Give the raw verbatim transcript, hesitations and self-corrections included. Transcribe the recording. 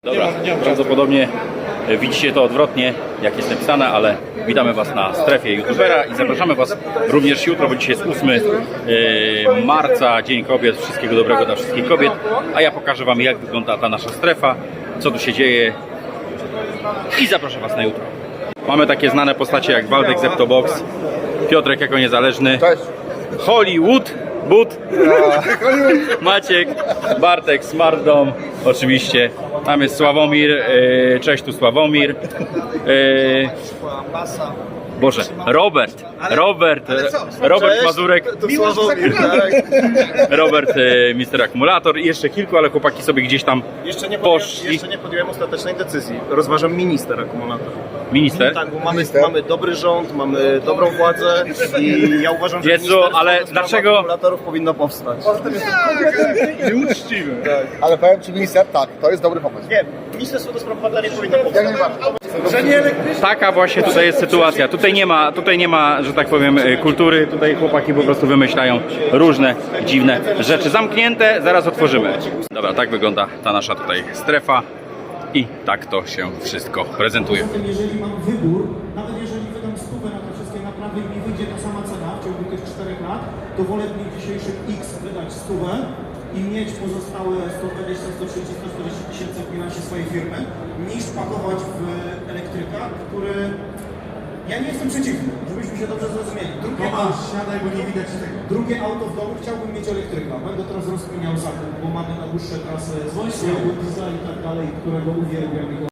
Dobra, prawdopodobnie widzicie to odwrotnie, jak jest napisane, ale witamy Was na strefie youtubera i zapraszamy Was również jutro, bo dzisiaj jest ósmy marca, Dzień Kobiet. Wszystkiego dobrego dla wszystkich kobiet, a ja pokażę Wam, jak wygląda ta nasza strefa, co tu się dzieje i zapraszam Was na jutro. Mamy takie znane postacie jak Waldek Zeptobox, Piotrek jako niezależny, Hollywood, But, Maciek, Bartek, Smartdom, oczywiście. Tam jest Sławomir, yy, cześć, tu Sławomir. Yy, Boże, Robert, Robert, Robert Cześć, Mazurek, to Sławomir, tak. Robert, yy, mister Akumulator i jeszcze kilku, ale chłopaki sobie gdzieś tam Jeszcze nie, podjąłem, poszli. jeszcze nie podjąłem ostatecznej decyzji. Rozważam minister akumulator. Minister? Tak, bo mamy, mamy dobry rząd, mamy dobrą władzę i ja uważam, że Jezu, ministerstwo ale do spraw dlaczego- akumulatorów powinno powstać. Nieuczciwy. Tak. Ale powiem Ci, minister, tak, to jest dobry pomysł. Nie, ministerstwo do spraw baterii powinno powstać. Jak najbardziej. Że nie elektryczne. Taka właśnie tutaj jest sytuacja. Tutaj nie ma, tutaj nie ma, że tak powiem, kultury. Tutaj chłopaki po prostu wymyślają różne dziwne rzeczy. Zamknięte, zaraz otworzymy. Dobra, tak wygląda ta nasza tutaj strefa i tak to się wszystko prezentuje. Jeżeli mam wybór, nawet jeżeli wydam stówę na te wszystkie naprawy i mi wyjdzie ta sama cena w ciągu tych czterech lat, to wolę w dniu dzisiejszym X wydać stówę i mieć pozostałe sto dwadzieścia, sto trzydzieści, sto czterdzieści tysięcy w bilansie swojej firmy, niż pakować w elektryka, który... Ja nie jestem przeciwny, żebyśmy się dobrze zrozumieli. Drugie, Tomasz, siadaj, bo nie widać tego. drugie auto w domu chciałbym mieć elektryka. Będę teraz rozkminiał zakup, bo mamy na dłuższe trasy z diesla i tak dalej, którego uwielbiam i go